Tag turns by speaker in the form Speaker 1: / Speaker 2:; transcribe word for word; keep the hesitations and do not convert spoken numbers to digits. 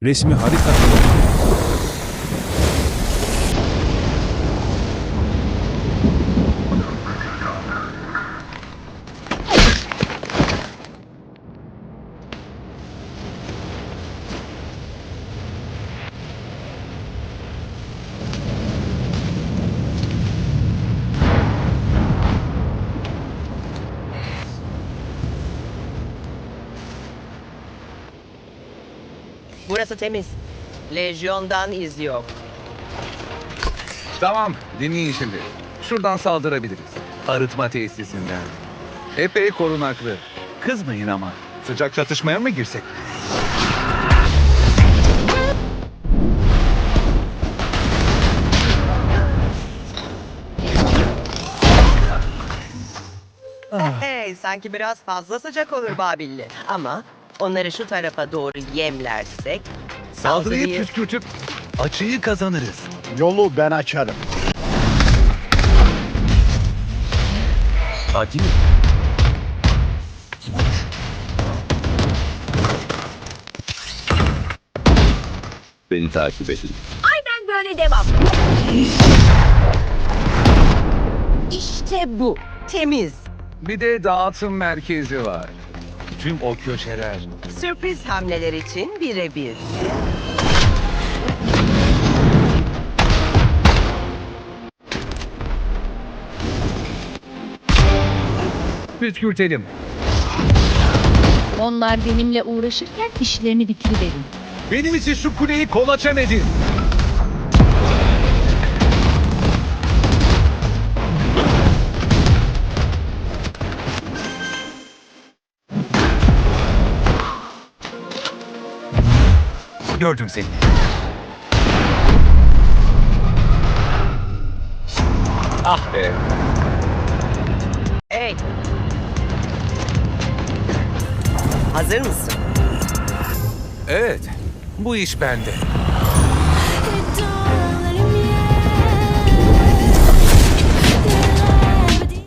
Speaker 1: Resmi harika.
Speaker 2: Burası temiz. Lejyondan iz yok.
Speaker 3: Tamam, dinleyin şimdi. Şuradan saldırabiliriz. Arıtma tesisinden. Epey korunaklı. Kızmayın ama. Sıcak çatışmaya mı girsek?
Speaker 2: Hey, sanki biraz fazla sıcak olur Babilli. Ama onları şu tarafa doğru yemlersek...
Speaker 3: Saldırıyı
Speaker 2: saldırıyı-
Speaker 3: püskürtüp açıyı kazanırız.
Speaker 4: Yolu ben açarım.
Speaker 3: Sakin.
Speaker 5: Beni takip edin.
Speaker 6: Aynen böyle devam. İşte bu.
Speaker 2: Temiz.
Speaker 3: Bir de dağıtım merkezi var. Tüm o köşeler.
Speaker 2: Sürpriz hamleler için birebir.
Speaker 3: Püskürtelim.
Speaker 6: Onlar benimle uğraşırken işlerini bitiriverin.
Speaker 3: Benim için şu kuleyi kolaçan edin. Gördüm seni. Ah be.
Speaker 2: Hey. Hazır mısın?
Speaker 3: Evet, bu iş bende.